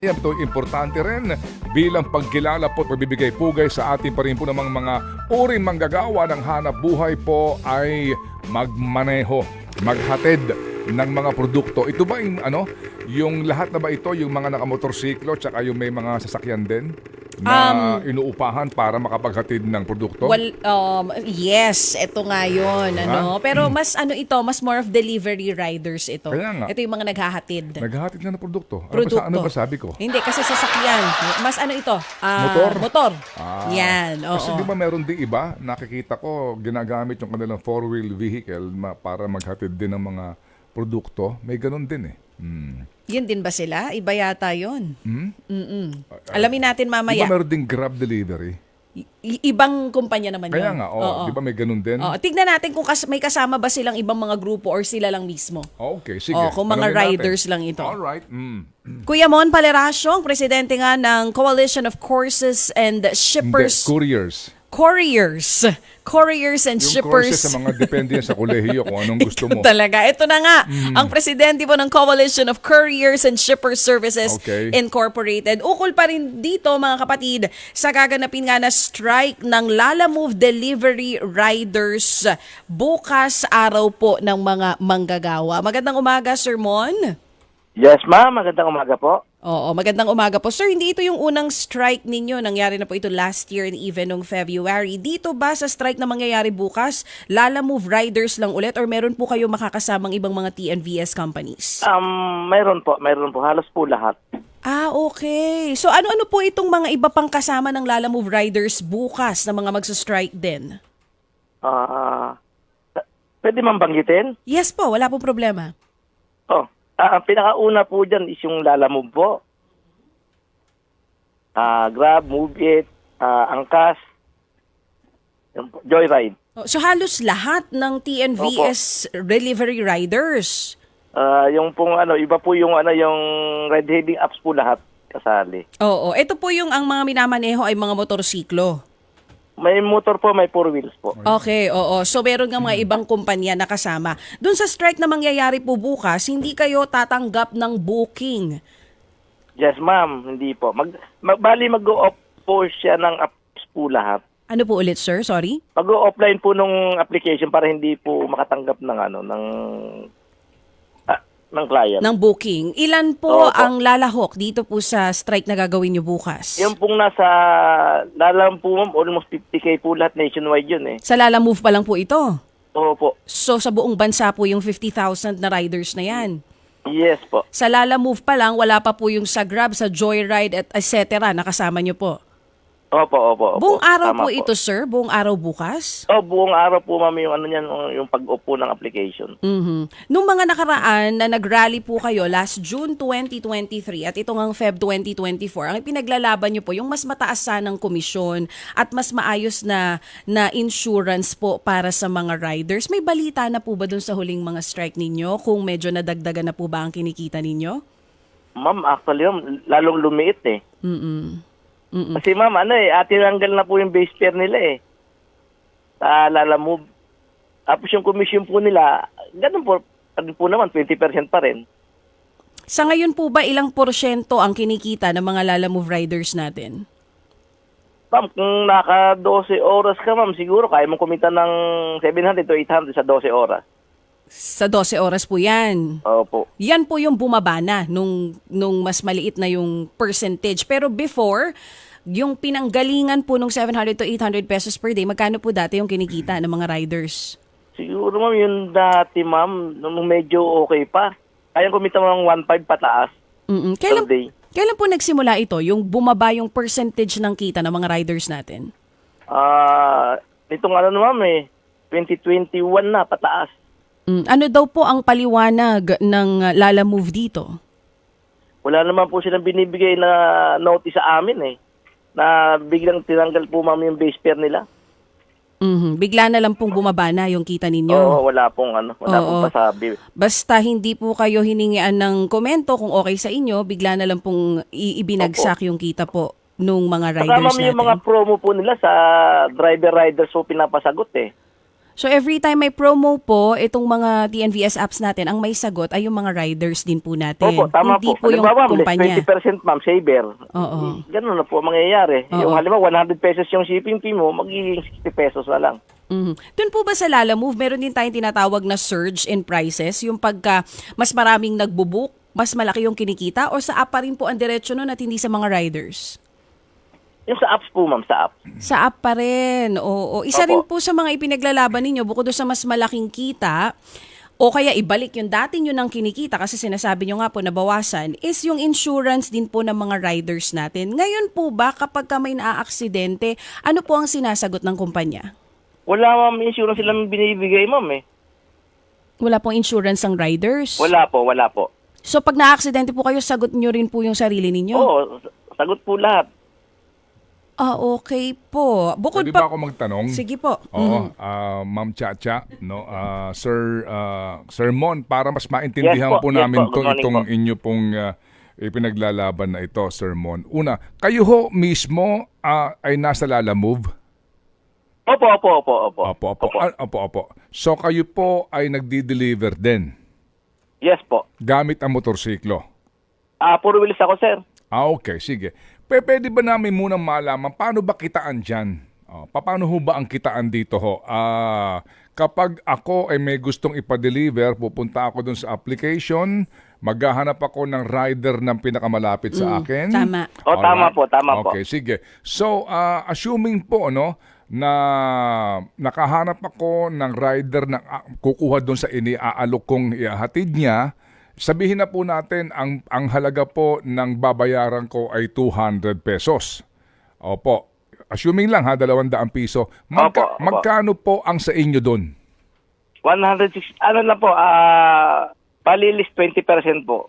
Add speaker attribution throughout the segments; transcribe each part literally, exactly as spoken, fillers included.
Speaker 1: Yan ito, importante rin bilang pagkilala po at pagbibigay pugay sa ating pa rin po namang mga uring manggagawa ng hanap buhay po ay magmaneho, maghatid ng mga produkto. Ito ba yung ano, yung lahat na ba ito, yung mga nakamotorsiklo tsaka yung may mga sasakyan din na um, inuupahan para makapaghatid ng produkto?
Speaker 2: Well, um, yes, ito nga yun. Ano? Pero mas ano ito, mas more of delivery riders ito.
Speaker 1: Kaya nga.
Speaker 2: Ito yung mga naghahatid.
Speaker 1: Naghahatid na ng produkto? Ano
Speaker 2: Produkto.
Speaker 1: ba, sa, ano ba sabi ko?
Speaker 2: Hindi, kasi sasakyan. Mas ano ito? Ah,
Speaker 1: Motor?
Speaker 2: Motor.
Speaker 1: Ah,
Speaker 2: Yan, oo.
Speaker 1: Kasi di ba meron din iba, nakikita ko, ginagamit yung kanilang four-wheel vehicle ma- para maghatid din ng mga produkto. May ganun din eh. Hmm.
Speaker 2: Yun din ba sila? Iba yata yun.
Speaker 1: Hmm?
Speaker 2: Mm-mm. Alamin natin
Speaker 1: Di
Speaker 2: mamaya.
Speaker 1: ba meron din Grab delivery?
Speaker 2: I- ibang kumpanya naman
Speaker 1: Kaya
Speaker 2: yun.
Speaker 1: nga, oh, di ba may ganun din?
Speaker 2: Oo. Tignan natin kung kas- may kasama ba silang ibang mga grupo or sila lang mismo.
Speaker 1: Okay, sige.
Speaker 2: Oh, kung mga
Speaker 1: Tanungin natin.
Speaker 2: riders lang ito.
Speaker 1: Alright. Mm.
Speaker 2: Kuya Mon Paleracio, ang presidente nga ng Coalition of Couriers and
Speaker 1: Hindi,
Speaker 2: Shippers.
Speaker 1: couriers.
Speaker 2: Couriers. Couriers and
Speaker 1: Yung
Speaker 2: Shippers.
Speaker 1: courses sa mga depende yan sa kolehiyo kung anong gusto mo.
Speaker 2: Ito talaga. Ito na nga, ang presidente po ng Coalition of Couriers and Shippers Services
Speaker 1: Okay.
Speaker 2: Incorporated. Ukol pa rin dito, mga kapatid, sa gaganapin nga na strike ng Lalamove Delivery Riders bukas araw po ng mga manggagawa. Magandang umaga, Sir Mon.
Speaker 3: Yes, ma'am. Magandang umaga po.
Speaker 2: Oo, magandang umaga po. Sir, hindi ito yung unang strike ninyo. Nangyari na po ito last year and even noong February. Dito ba sa strike na mangyayari bukas, Lalamove Riders lang ulit or meron po kayo makakasamang ibang mga T N V S companies?
Speaker 3: Um, mayroon po. Mayroon po. Halos po lahat.
Speaker 2: Ah, okay. So ano-ano po itong mga iba pang kasama ng Lalamove Riders bukas na mga magsa-strike din?
Speaker 3: Ah, pwede ma'am banggitin?
Speaker 2: Yes po, wala pong problema.
Speaker 3: Oh, ah, ang pinakauna po dyan is yung Lalamove po. Ah, Grab, Move It, ah, Angkas, yung po, Joyride.
Speaker 2: Oh, so halos lahat ng T N V S delivery riders.
Speaker 3: Ah, yung pong ano, iba po yung ano, yung ride-hailing apps po lahat kasali.
Speaker 2: Oo, ito po yung ang mga minamaneho ay mga motorsiklo.
Speaker 3: May motor po, may four wheels po.
Speaker 2: Okay, oo. So meron nga mga ibang kumpanya na kasama. Doon sa strike na mangyayari po bukas, hindi kayo tatanggap ng booking.
Speaker 3: Yes, ma'am. Hindi po. Mag, mag bali mag-go-off po siya ng apps po lahat.
Speaker 2: Ano po ulit, sir? Sorry?
Speaker 3: Mag-offline po nung application para hindi po makatanggap ng ano ng ah, ng client.
Speaker 2: Ng booking. Ilan po
Speaker 3: Opo.
Speaker 2: ang lalahok dito po sa strike na gagawin nyo bukas?
Speaker 3: Yung pong nasa lalam po ma'am, almost fifty K po lahat nationwide yun eh.
Speaker 2: Sa Lalamove pa lang po ito.
Speaker 3: Oo po.
Speaker 2: So sa buong bansa po yung fifty thousand na riders na yan.
Speaker 3: Yes po.
Speaker 2: Sa Lalamove pa lang, wala pa po yung sa Grab, sa Joyride, at et cetera. Nakasama nyo po.
Speaker 3: Opo, opo, opo.
Speaker 2: Buong araw
Speaker 3: Tama
Speaker 2: po ito, sir? Buong araw bukas?
Speaker 3: Oh, buong araw po ma'am yung ano niyan, yung pag-off po ng application.
Speaker 2: Mhm. Nung mga nakaraan na nag-rally po kayo last June twenty twenty-three at ito ngang Feb twenty twenty-four, ang ipinaglalaban nyo po yung mas mataas sanang komisyon at mas maayos na na insurance po para sa mga riders. May balita na po ba dun sa huling mga strike ninyo kung medyo nadagdagan na po ba ang kinikita ninyo?
Speaker 3: Ma'am, actually ma'am, lalong lumiit eh.
Speaker 2: Mm-mm. Mm-mm.
Speaker 3: Kasi ma'am, ano eh, atinanggal na po yung base fare nila eh. Sa Lalamove. Tapos yung commission po nila, ganun po, ano po naman, twenty percent pa rin.
Speaker 2: Sa ngayon po ba ilang porsyento ang kinikita ng mga Lalamove riders natin?
Speaker 3: Ma'am, kung naka twelve oras ka ma'am, siguro kaya mong kumita ng seven hundred to eight hundred sa twelve oras.
Speaker 2: Sa twelve oras po yan.
Speaker 3: Opo.
Speaker 2: Yan po yung bumaba na nung, nung mas maliit na yung percentage. Pero before, yung pinanggalingan po nung seven hundred to eight hundred pesos per day, magkano po dati yung kinikita ng mga riders?
Speaker 3: Siguro ma'am, yung dati ma'am, nung medyo okay pa. Kaya kumita mo ng one five pataas
Speaker 2: Mm-mm.
Speaker 3: per
Speaker 2: Kailan,
Speaker 3: day.
Speaker 2: kailan po nagsimula ito, yung bumaba yung percentage ng kita ng mga riders natin?
Speaker 3: Ah, itong ano ma'am eh, twenty twenty-one na pataas.
Speaker 2: Mm, ano daw po ang paliwanag ng uh, Lalamove dito?
Speaker 3: Wala naman po silang binibigay na notice sa amin eh. Na biglang tinanggal po ma'am yung base fare nila.
Speaker 2: Mhm. Bigla na lang pong bumaba na yung kita ninyo.
Speaker 3: Oo, wala pong ano, wala
Speaker 2: Oo.
Speaker 3: pong pasabi.
Speaker 2: Basta hindi po kayo hiningian ng komento kung okay sa inyo, bigla na lang pong i- ibinagsak yung kita po nung mga
Speaker 3: Saka
Speaker 2: riders
Speaker 3: ma'am
Speaker 2: natin.
Speaker 3: yung mga promo po nila sa driver riders po pinapasagot eh.
Speaker 2: So every time may promo po, itong mga T N V S apps natin, ang may sagot ay yung mga riders din po natin.
Speaker 3: Opo, tama
Speaker 2: Hindi
Speaker 3: po.
Speaker 2: po yung
Speaker 3: Halimbawa, ma'am,
Speaker 2: kumpanya.
Speaker 3: twenty percent ma'am, saver.
Speaker 2: Oo.
Speaker 3: Ganun na po ang mangyayari.
Speaker 2: Oo.
Speaker 3: Yung halimbawa, one hundred pesos yung shipping fee mo, magiging sixty pesos na lang.
Speaker 2: Mhm. Doon po ba sa Lala Move, meron din tayong tinatawag na surge in prices? Yung pagka mas maraming nagbubook, mas malaki yung kinikita? O sa app pa rin po ang diretsyo nun at hindi sa mga riders?
Speaker 3: Yung sa apps po, ma'am, sa app.
Speaker 2: Sa app pa rin. Oo. Isa
Speaker 3: Opo.
Speaker 2: rin po sa mga ipinaglalaban ninyo, bukod doon sa mas malaking kita, o kaya ibalik yung dati nyo ng kinikita kasi sinasabi nyo nga po na bawasan, is yung insurance din po ng mga riders natin. Ngayon po ba, kapag ka may naaaksidente, ano po ang sinasagot ng kumpanya?
Speaker 3: Wala, ma'am, insurance silang binibigay, ma'am, eh.
Speaker 2: Wala pong insurance ang riders?
Speaker 3: Wala po, wala po.
Speaker 2: So pag naaaksidente po kayo, sagot nyo rin po yung sarili ninyo?
Speaker 3: Oo, sagot po lahat.
Speaker 2: Ah, okay po. Bukod
Speaker 1: Pwede ba
Speaker 2: pa...
Speaker 1: ako magtanong?
Speaker 2: Sige po.
Speaker 1: Oo, ah, Ma'am Chacha, no, ah, Sir ah, Sir Mon, para mas maintindihan
Speaker 3: Yes po,
Speaker 1: po
Speaker 3: yes
Speaker 1: namin
Speaker 3: po. Good
Speaker 1: tong
Speaker 3: morning
Speaker 1: itong
Speaker 3: po.
Speaker 1: inyo pong ah, ipinaglalaban na ito, Sir Mon. Una, kayo ho mismo ah, ay nasa Lala Move?
Speaker 3: Opo, opo, opo, opo.
Speaker 1: Opo, opo. Ah, opo, opo. So kayo po ay nagdi-deliver din
Speaker 3: Yes po.
Speaker 1: gamit ang motorsiklo?
Speaker 3: Ah, puro wheels ako, sir.
Speaker 1: Ah, okay, sige. P- pwede ba namin munang malaman paano ba kitaan dyan? Oh, paano ho ba ang kitaan dito ho? Ah, kapag ako ay may gustong ipa-deliver, pupunta ako dun sa application, maghahanap ako ng rider ng pinakamalapit sa akin.
Speaker 2: tama.
Speaker 3: Oh, tama
Speaker 1: Alright.
Speaker 3: po, tama po.
Speaker 1: Okay, sige. So, ah, assuming po, ano, na nakahanap ako ng rider na ah, kukuha doon sa iniaalok kong ihahatid niya, sabihin na po natin ang ang halaga po ng babayaran ko ay two hundred pesos. Opo. Assuming lang ha, dalawang daang piso. Magka,
Speaker 3: Opo, opo.
Speaker 1: Magkano po ang sa inyo doon?
Speaker 3: one hundred six, ano na po, ah, palilis twenty percent po.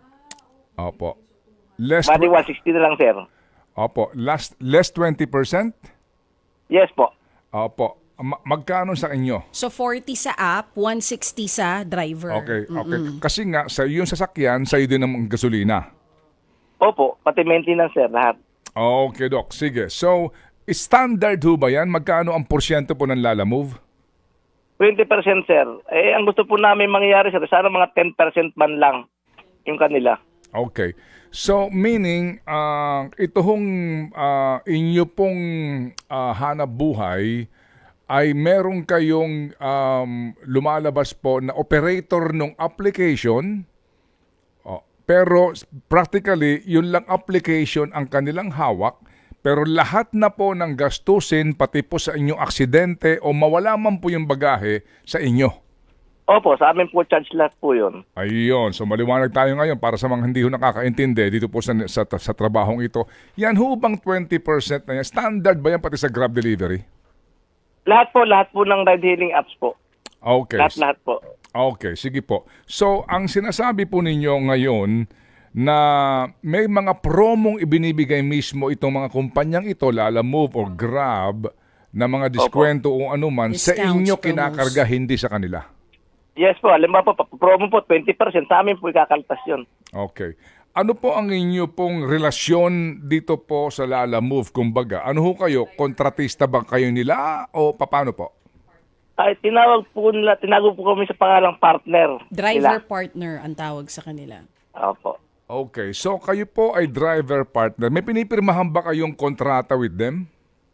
Speaker 1: Opo. Less,
Speaker 3: Bali one sixty na lang, sir.
Speaker 1: opo. Last, less twenty percent?
Speaker 3: Yes po.
Speaker 1: Opo. Ma- magkano sa inyo?
Speaker 2: So forty sa app, one sixty sa driver.
Speaker 1: Okay, okay. Kasi nga, sa yung sasakyan, sa'yo din ang gasolina.
Speaker 3: Opo, pati maintenance, sir, lahat.
Speaker 1: Okay, Doc. Sige. So, standard ho ba yan? Magkano ang porsyento po ng Lala Move?
Speaker 3: twenty percent, sir. Eh, ang gusto po namin mangyari, sir, sana mga ten percent man lang yung kanila.
Speaker 1: Okay. So, meaning, uh, ito hong uh, inyo pong uh, hanap buhay ay meron kayong um, lumalabas po na operator ng application. Oh, pero practically, yun lang application ang kanilang hawak. Pero lahat na po ng gastusin, pati po sa inyong aksidente o mawala man po yung bagahe sa inyo.
Speaker 3: Opo, sa amin po charge lahat po yun.
Speaker 1: Ayun, so maliwanag tayo ngayon para sa mga hindi ho nakakaintindi dito po sa, sa, sa trabahong ito. Yan ho bang twenty percent na yan? Standard ba yan pati sa Grab delivery?
Speaker 3: Lahat po, lahat po ng ride-hailing apps po.
Speaker 1: Okay.
Speaker 3: Lahat, lahat po.
Speaker 1: Okay, sige po. So, ang sinasabi po ninyo ngayon na may mga promong ibinibigay mismo itong mga kumpanyang ito, Lala Move or Grab, na mga diskwento o anuman, sa
Speaker 2: Discounts,
Speaker 1: inyo
Speaker 2: promos.
Speaker 1: kinakarga, hindi sa kanila.
Speaker 3: Yes po, alam ba po, promo po, twenty percent. Sa amin po ikakaltas yun.
Speaker 1: Okay. Ano po ang inyo pong relasyon dito po sa Lala Move? Kumbaga, ano ho kayo? Kontratista ba kayo nila o paano po?
Speaker 3: Ay, tinawag po nila, tinawag po kami sa pangalang partner.
Speaker 2: Driver
Speaker 3: nila.
Speaker 2: partner ang tawag sa kanila.
Speaker 3: Opo.
Speaker 1: Okay. So, kayo po ay driver partner. May pinipirmahan ba kayong kontrata with them?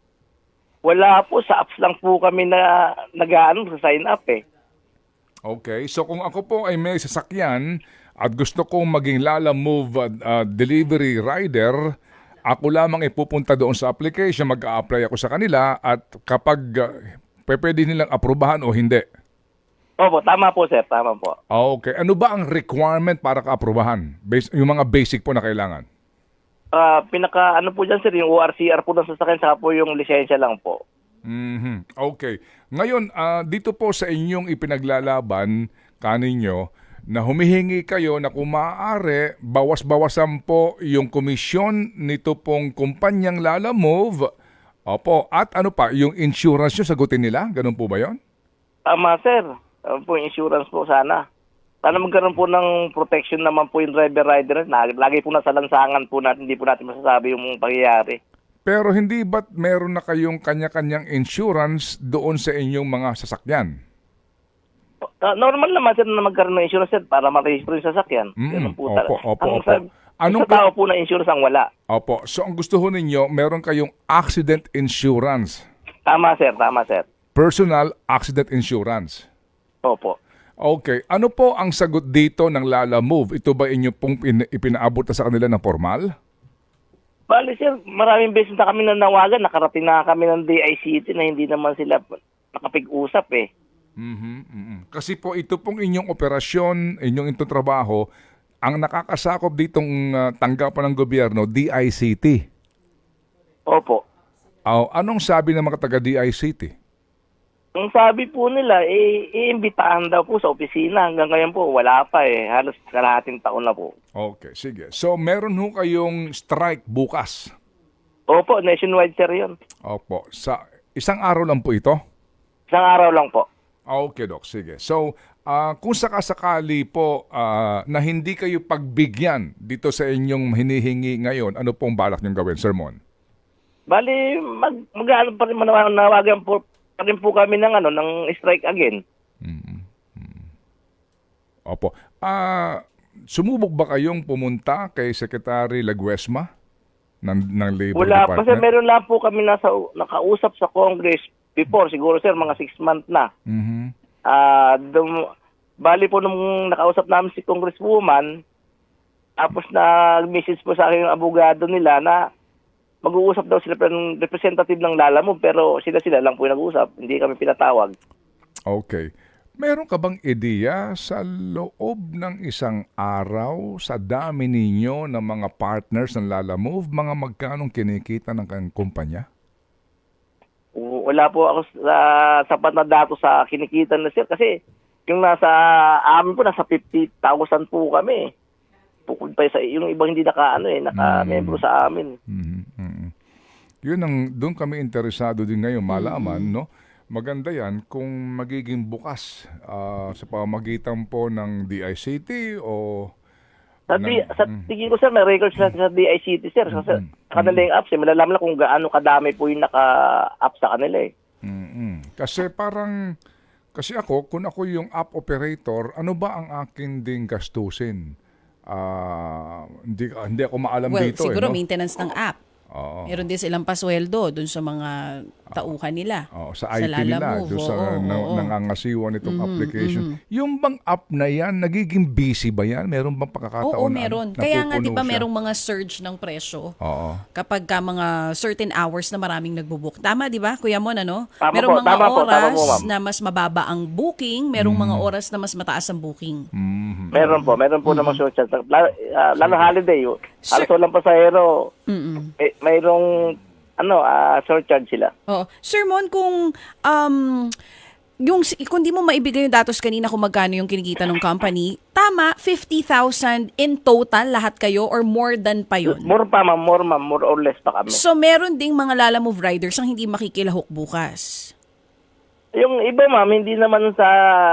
Speaker 3: Wala po, sa apps lang po kami na nag-ano sa sign up eh.
Speaker 1: Okay. So, kung ako po ay may sasakyan at gusto kong maging Lala Move uh, uh, delivery rider, ako lamang ipupunta doon sa application, mag-a-apply ako sa kanila at kapag uh, pwede nilang aprobahan o hindi.
Speaker 3: Opo, tama po sir, tama po.
Speaker 1: Okay. Ano ba ang requirement para ka-aprobahan? Bas- yung mga basic po na kailangan?
Speaker 3: Ah, pinaka ano po dyan sir, yung O R C R po ng sasakyan, saka po yung lisensya lang po.
Speaker 1: Mhm. Okay. Ngayon, ah, dito po sa inyong ipinaglalaban kaninyo na humihingi kayo na kung maaari, bawas-bawasan po yung komisyon nito pong kumpanyang Lala Move. Opo. At ano pa, yung insurance nyo, sagutin nila? Ganun po ba yon?
Speaker 3: Tama sir, ano po yung insurance po sana. Sana magkaroon po ng protection naman po yung driver rider. Lagi, lagi po nasa lansangan po natin, hindi po natin masasabi yung pangyayari.
Speaker 1: Pero hindi ba't meron na kayong kanya-kanyang insurance doon sa inyong mga sasakyan?
Speaker 3: Ah, normal naman sir na magkaroon ng insurance sir para ma-register yung sasakyan.
Speaker 1: Mm,
Speaker 3: Ganun po
Speaker 1: opo,
Speaker 3: talaga.
Speaker 1: opo,
Speaker 3: Ang
Speaker 1: opo.
Speaker 3: sa-
Speaker 1: Anong
Speaker 3: sa tao po na insurance ang wala.
Speaker 1: Opo. So ang gusto ho ninyo, meron kayong accident insurance.
Speaker 3: Tama sir, tama sir.
Speaker 1: Personal accident insurance.
Speaker 3: Opo.
Speaker 1: Okay. Ano po ang sagot dito ng Lala Move? Ito ba inyo pong pin- ipinaabot na sa kanila ng formal?
Speaker 3: Bali sir, maraming beses na kami nanawagan, nakarating na kami ng D I C T na hindi naman sila nakapig-usap eh.
Speaker 1: Mhm, mhm. Kasi po ito pong inyong operasyon, inyong itong trabaho, ang nakakasakop ditong uh, tanggapan ng gobyerno, D I C T.
Speaker 3: Opo.
Speaker 1: Oh, anong sabi ng mga taga-D I C T?
Speaker 3: Ang sabi po nila, eh, iimbitahan daw po sa opisina. Hanggang ngayon po, wala pa eh. Halos kalahating taon na po.
Speaker 1: Okay, sige. So meron ho kayong strike bukas.
Speaker 3: Opo, nationwide sir yun.
Speaker 1: Opo. Sa isang araw lang po ito?
Speaker 3: Isang araw lang po.
Speaker 1: Okay, Doc. Sige. So, ah, kung sakasakali po ah, na hindi kayo pagbigyan dito sa inyong hinihingi ngayon, ano pong balak niyong gawin, Sermon?
Speaker 3: Bali, mag, mag, pa rin manawagan po, pa rin po kami ng, ano, ng strike again.
Speaker 1: Opo. Ah, sumubok ba kayong pumunta kay Secretary Laguesma ng, ng Labor
Speaker 3: Wala pa sir,
Speaker 1: Department?
Speaker 3: meron lang po kami nasa, nakausap sa Congress before, siguro sir, mga six months na.
Speaker 1: Mhm.
Speaker 3: Ah, dum, bali po nung nakausap namin si Congresswoman, tapos nag-message po sa akin yung abogado nila na mag-uusap daw sila ng representative ng Lala Move, pero sila-sila lang po yung nag-uusap, hindi kami pinatawag.
Speaker 1: Okay. Meron ka bang ideya sa loob ng isang araw sa dami ninyo ng mga partners ng Lala Move, mga magkanong kinikita ng kanyang kumpanya?
Speaker 3: W- Wala po ako sa sapat na dato sa kinikita na sir, kasi yung nasa amin po, nasa fifty thousand po kami. Bukod pa sa yung ibang hindi naka ano eh, naka-membro sa amin.
Speaker 1: Mhm, mhm. Yun ang doon kami interesado din ngayon malaman, no? Maganda yan kung magiging bukas ah, sa pamamagitan po ng D I C T o
Speaker 3: Sa,
Speaker 1: ng-
Speaker 3: D, sa tingin ko sir, may records sa, sa D I C T sir. Sa, sa kanila yung apps eh, malalaman lang kung gaano kadami po yung naka-app sa kanila eh.
Speaker 1: Mm-mm. Kasi parang, kasi ako, kung ako yung app operator, ano ba ang akin ding gastusin? Ah, hindi, hindi ako maalam
Speaker 2: Well,
Speaker 1: dito.
Speaker 2: siguro
Speaker 1: eh, no?
Speaker 2: maintenance ng app.
Speaker 1: Oo.
Speaker 2: Meron din silang pasweldo dun sa mga tauhan nila.
Speaker 1: Oo, sa I T
Speaker 2: Lala
Speaker 1: nila,
Speaker 2: Move,
Speaker 1: doon sa
Speaker 2: oo,
Speaker 1: na,
Speaker 2: oo.
Speaker 1: nangangasiwa nitong application. Yung bang app na yan, nagiging busy ba yan? Meron bang pagkakataon
Speaker 2: Oo,
Speaker 1: na
Speaker 2: meron.
Speaker 1: napupuno
Speaker 2: Kaya nga, di ba
Speaker 1: siya?
Speaker 2: merong mga surge ng presyo?
Speaker 1: Oo.
Speaker 2: Kapag ka mga certain hours na maraming nagbubook. Tama, di ba, Kuya Mon, ano?
Speaker 3: Tama
Speaker 2: merong
Speaker 3: po,
Speaker 2: mga
Speaker 3: tama po, tama
Speaker 2: oras
Speaker 3: po, ma'am.
Speaker 2: na mas mababa ang booking, merong mga oras na mas mataas ang booking.
Speaker 1: Mhm.
Speaker 3: Meron po, meron po namang social chat. Lalo, uh, lalo holiday, oh.
Speaker 2: Sir-
Speaker 3: Halos walang pasahero,
Speaker 2: Mm-mm.
Speaker 3: may, mayroong ano, ah surcharge sila.
Speaker 2: Oo. Sir Mon, kung um, yung kung di mo maibigay yung datos kanina kung magkano yung kinikita ng company, tama, fifty thousand in total lahat kayo or more than pa yun?
Speaker 3: More pa ma'am, more ma'am, more or less pa kami.
Speaker 2: So meron ding mga Lala Move riders ang hindi makikilahok bukas.
Speaker 3: Yung iba ma'am, hindi naman sa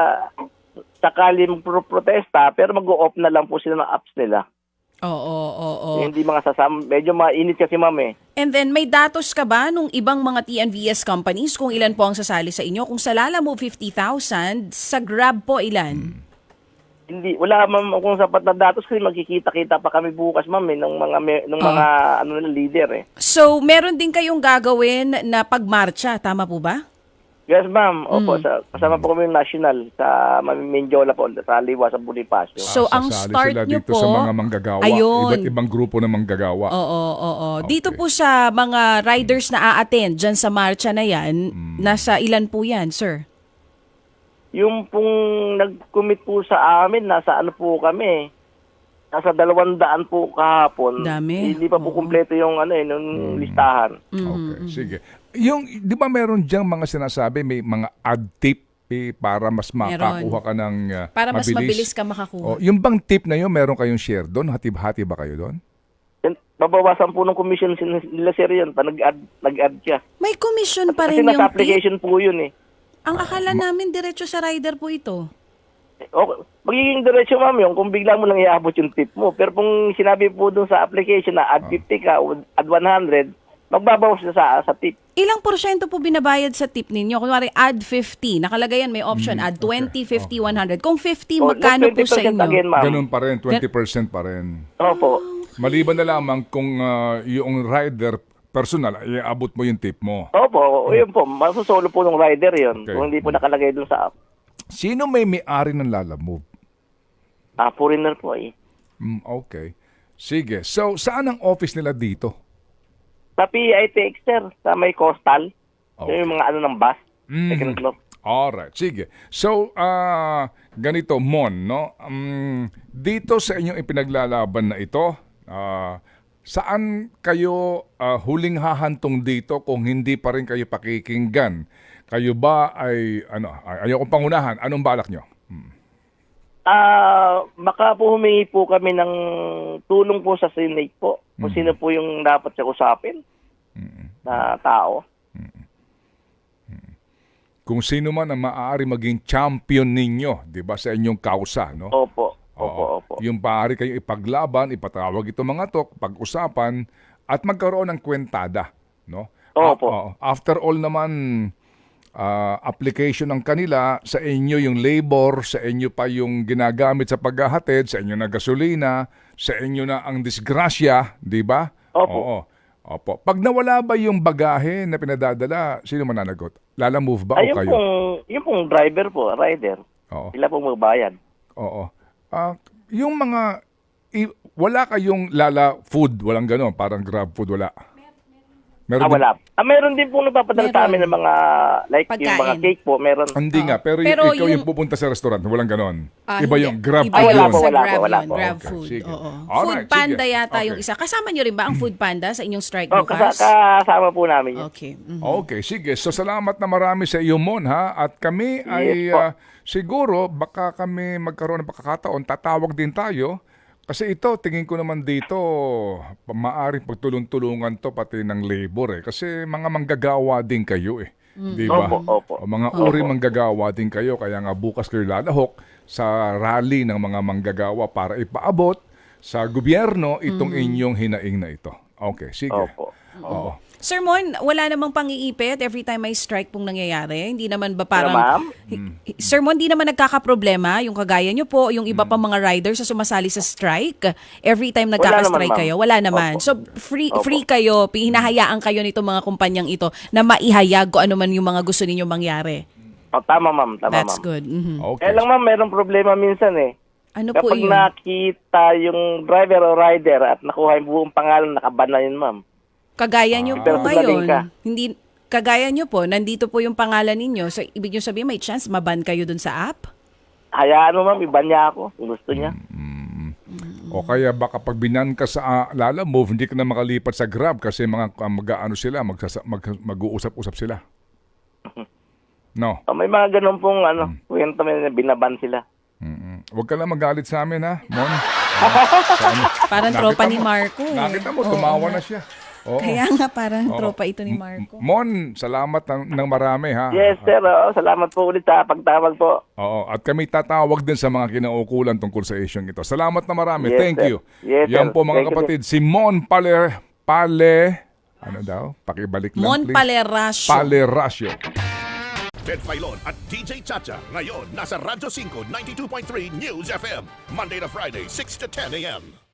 Speaker 3: sakali pro-protesta, pero mag-o-off na lang po sila ng apps nila.
Speaker 2: Oo, oo, oo.
Speaker 3: Hindi mga sasam, medyo mainit kasi ma'am eh.
Speaker 2: And then, may datos ka ba nung ibang mga T N V S companies kung ilan po ang sasali sa inyo? Kung sa Lala Move fifty thousand, sa Grab po ilan?
Speaker 3: Hindi, wala ma'am kung sapat na datos kasi magkikita-kita pa kami bukas ma'am eh, ng mga, me- ng mga ano na leader eh.
Speaker 2: So, meron din kayong gagawin na pagmarcha, tama po ba?
Speaker 3: Yes ma'am, opo, sa, kasama po kami yung national sa Mindiola po, sa Liwa, sa Bonifacio.
Speaker 2: So, ang
Speaker 1: Sasali
Speaker 2: start
Speaker 1: sila
Speaker 2: nyo
Speaker 1: dito
Speaker 2: po,
Speaker 1: sa mga manggagawa.
Speaker 2: ayun.
Speaker 1: Iba't ibang grupo ng manggagawa.
Speaker 2: Oo, oo, oo. Dito
Speaker 1: Okay.
Speaker 2: po sa mga riders na a-attend dyan sa marcha na yan,
Speaker 1: Hmm.
Speaker 2: nasa ilan po yan, sir?
Speaker 3: Yung pong nag-commit po sa amin, nasa ano po kami, nasa dalawang daan po kahapon.
Speaker 2: Dami.
Speaker 3: Hindi pa po kumpleto yung ano eh, yung listahan.
Speaker 1: Okay, sige. Yung, di ba meron diyang mga sinasabi, may mga ad tip eh, para mas makakuha ka ng uh,
Speaker 2: Para mas mabilis ka makakuha.
Speaker 1: Oh, yung bang tip na yun, meron kayong share doon? Hatib-hati ba kayo doon?
Speaker 3: Yan, babawasan po ng commission sin- nila sir yun, pa nag-add, nag-add siya.
Speaker 2: May commission pa
Speaker 3: Kasi
Speaker 2: rin yung
Speaker 3: nasa
Speaker 2: tip.
Speaker 3: application po yun eh.
Speaker 2: Ang akala namin diretso sa rider po ito.
Speaker 3: Okay. Magiging diretso ma'am yung kung bigla mo lang iabot yung tip mo. Pero kung sinabi po dun sa application na add fifty ka o add one hundred, magbabawas siya sa, sa tip.
Speaker 2: Ilang porsyento po binabayad sa tip ninyo? Kunwari, add fifty. Nakalagay yan, may option.
Speaker 1: Mm,
Speaker 2: add twenty,
Speaker 1: okay,
Speaker 2: fifty, one hundred. Kung fifty,
Speaker 3: O,
Speaker 2: magkano po sa
Speaker 3: twenty percent
Speaker 2: inyo?
Speaker 3: again, ma'am.
Speaker 1: Ganun pa rin, twenty percent pa rin.
Speaker 3: Opo.
Speaker 1: Maliban na lamang kung ah, yung rider personal, iabot mo yung tip mo.
Speaker 3: Opo, yun po. Masusolo po ng rider yun.
Speaker 1: Okay.
Speaker 3: Kung hindi po nakalagay dun sa app.
Speaker 1: Sino may may-ari ng Lala Move?
Speaker 3: Ah, foreigner po eh.
Speaker 1: Mm, okay. Sige. So, saan ang office nila dito?
Speaker 3: Sa P I T X, sir. Sa may coastal.
Speaker 1: Okay.
Speaker 3: Yung mga ano ng bus.
Speaker 1: Mhm.
Speaker 3: Second floor.
Speaker 1: Alright, sige. So, ah ganito, Mon, no? Um, dito sa inyong ipinaglalaban na ito, ah saan kayo ah, huling hahantong dito kung hindi pa rin kayo pakikinggan? Kayo ba ay, ano, ay, ayaw kong pangunahan, anong balak nyo?
Speaker 3: Ah, baka po humingi po kami ng tulong po sa Senate po. Kung sino po yung dapat siya usapin na tao.
Speaker 1: Kung sino man ang maaari maging champion ninyo, di ba, sa inyong kausa, no?
Speaker 3: Opo. Opo,
Speaker 1: Oo.
Speaker 3: opo.
Speaker 1: Yung maaari kayo ipaglaban, ipatawag itong mga to, pag-usapan, at magkaroon ng kwentada, no?
Speaker 3: Opo.
Speaker 1: Ah, oo. After all naman, ah, application ng kanila, sa inyo yung labor, sa inyo pa yung ginagamit sa paghahatid, sa inyo na gasolina, sa inyo na ang disgrasya, di ba?
Speaker 3: Opo.
Speaker 1: Oo. Opo. Pag nawala ba yung bagahe na pinadadala, sino mananagot? Lala Move ba o
Speaker 3: Ay, yung
Speaker 1: kayo?
Speaker 3: pong, yung pong driver po, rider.
Speaker 1: Oo.
Speaker 3: Sila pong magbayad.
Speaker 1: Oo. Ah, yung mga i- wala kayong Lala Food, walang gano'n, parang Grab Food, wala. Meron
Speaker 3: Ah,
Speaker 1: din-
Speaker 3: wala. Ah, meron din po nagpapadala sa amin ng mga, like yung mga
Speaker 2: Pagkain.
Speaker 3: cake po, meron.
Speaker 1: Hindi nga, pero, y-
Speaker 2: Pero
Speaker 1: ikaw yung,
Speaker 2: yung-
Speaker 1: pupunta sa restaurant, walang gano'n.
Speaker 2: Ah,
Speaker 1: Iba
Speaker 2: hindi.
Speaker 1: yung Grab
Speaker 2: Iba
Speaker 1: Food
Speaker 3: wala
Speaker 2: yun
Speaker 1: yun.
Speaker 3: po,
Speaker 2: sa
Speaker 3: wala
Speaker 2: Grab
Speaker 3: po, wala
Speaker 2: yun,
Speaker 3: po.
Speaker 2: Grab
Speaker 1: Okay,
Speaker 2: Food.
Speaker 1: sige.
Speaker 2: Oo.
Speaker 1: Alright,
Speaker 2: Food Panda
Speaker 1: sige.
Speaker 2: yata yung
Speaker 1: Okay.
Speaker 2: isa. Kasama nyo rin ba ang Food Panda sa inyong strike
Speaker 3: Oh, kasa-
Speaker 2: bukas?
Speaker 3: kasama po namin yun.
Speaker 2: Okay. mhm.
Speaker 1: Okay, sige. So salamat na marami sa iyo, Mon, ha? At kami ay
Speaker 3: po.
Speaker 1: ah, siguro baka kami magkaroon ng pagkakataon, tatawag din tayo. Kasi ito, tingin ko naman dito, pa- maaaring pagtulong-tulungan to pati ng labor eh. Kasi mga manggagawa din kayo eh. Di ba?
Speaker 3: Opo, opo.
Speaker 1: O mga uri manggagawa din kayo. Kaya nga bukas kayo lalahok sa rally ng mga manggagawa para ipaabot sa gobyerno itong inyong hinaing na ito. Okay, sige.
Speaker 3: Opo.
Speaker 1: Oo.
Speaker 2: Sir Mon, wala namang pang-iipit every time may strike pong nangyayari? Hindi naman ba parang...
Speaker 3: ma'am?
Speaker 2: Hi- Sir Mon, hindi naman nagkakaproblema yung kagaya nyo po, yung iba pa mga riders sa sumasali sa strike? Every time nagkaka-strike
Speaker 3: naman,
Speaker 2: kayo?
Speaker 3: ma'am.
Speaker 2: Wala naman.
Speaker 3: Opo.
Speaker 2: So, free
Speaker 3: Opo.
Speaker 2: free kayo, hinahayaan kayo nitong mga kumpanyang ito na maihayag kung ano man yung mga gusto ninyong mangyari.
Speaker 3: Oh, tama, ma'am. Tama,
Speaker 2: That's
Speaker 3: ma'am.
Speaker 2: good. Mhm.
Speaker 1: Okay.
Speaker 3: Kaya lang, ma'am, merong problema minsan eh.
Speaker 2: Ano po
Speaker 3: Kapag
Speaker 2: yun?
Speaker 3: nakita yung driver o rider at nakuha yung buong pangalan, nakaban na yun, ma'am.
Speaker 2: Kagaya nyo po
Speaker 3: Pero
Speaker 2: ngayon,
Speaker 3: tumaling ka.
Speaker 2: hindi, kagaya nyo po, nandito po yung pangalan ninyo. So, ibig nyo sabihin, may chance maban kayo dun sa app?
Speaker 3: Hayaan mo, ma'am, iba niya ako kung gusto niya.
Speaker 1: O kaya baka pag binan ka sa ah, Lala Move, hindi ka na makalipat sa Grab kasi mga uh, mag-ano sila, magsasa- mag, mag-uusap-usap sila. No.
Speaker 3: Oh, may mga ganun pong ano, kwento may binaban sila.
Speaker 1: Mm-mm. Huwag ka lang magalit sa amin, ha, Mon. Ah, sa ano.
Speaker 2: Parang
Speaker 1: Nakita
Speaker 2: tropa
Speaker 1: mo-
Speaker 2: ni Marco. eh.
Speaker 1: Nakita mo,
Speaker 2: Oo
Speaker 1: tumawa
Speaker 2: nga.
Speaker 1: na siya. Oo.
Speaker 2: Kaya nga parang
Speaker 1: Oo.
Speaker 2: tropa ito ni
Speaker 1: M-
Speaker 2: Marco.
Speaker 1: Mon, salamat ng, ng marami, ha.
Speaker 3: Yes, sir. Oo, salamat po ulit sa pagtawag po.
Speaker 1: Oo, at kami tatawag din sa mga kinaukulan tungkol sa isyong ito. Salamat na marami.
Speaker 3: Yes,
Speaker 1: Thank
Speaker 3: sir.
Speaker 1: you.
Speaker 3: Yes,
Speaker 1: Yan
Speaker 3: sir.
Speaker 1: po mga
Speaker 3: Thank you,
Speaker 1: kapatid, si Mon Pale, Pale, ano daw? Pakibalik lang,
Speaker 2: Mon
Speaker 1: please.
Speaker 2: Palerasio.
Speaker 1: Palerasio.
Speaker 4: Ted Filon at D J Chacha. Ngayon, nasa Radyo five ninety-two point three News F M. Monday to Friday, six to ten a.m.